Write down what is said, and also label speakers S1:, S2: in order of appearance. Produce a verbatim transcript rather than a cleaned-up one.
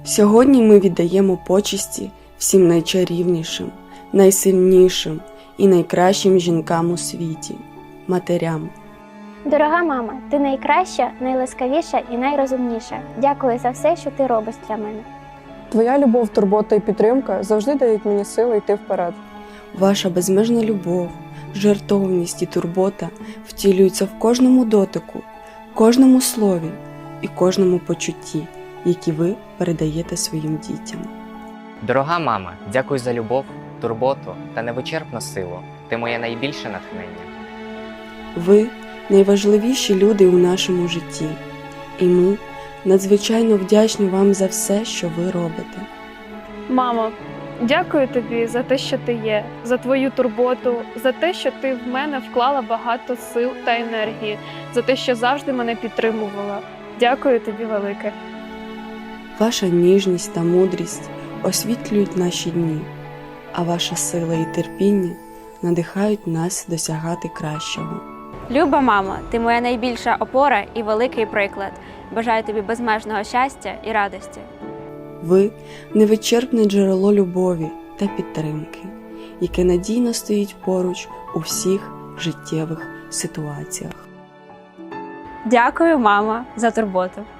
S1: Сьогодні ми віддаємо почесті всім найчарівнішим, найсильнішим і найкращим жінкам у світі – матерям.
S2: Дорога мама, ти найкраща, найласкавіша і найрозумніша. Дякую за все, що ти робиш для мене.
S3: Твоя любов, турбота і підтримка завжди дають мені сили йти вперед.
S1: Ваша безмежна любов, жертовність і турбота втілюються в кожному дотику, кожному слові і кожному почутті, які ви передаєте своїм дітям.
S4: Дорога мама, дякую за любов, турботу та невичерпну силу. Ти моє найбільше натхнення.
S1: Ви – найважливіші люди у нашому житті, і ми надзвичайно вдячні вам за все, що ви робите.
S5: Мамо, дякую тобі за те, що ти є, за твою турботу, за те, що ти в мене вклала багато сил та енергії, за те, що завжди мене підтримувала. Дякую тобі велике.
S1: Ваша ніжність та мудрість освітлюють наші дні, а ваша сила і терпіння надихають нас досягати кращого.
S6: Люба мамо, ти моя найбільша опора і великий приклад. Бажаю тобі безмежного щастя і радості.
S1: Ви – невичерпне джерело любові та підтримки, яке надійно стоїть поруч у всіх життєвих ситуаціях.
S6: Дякую, мама, за турботу.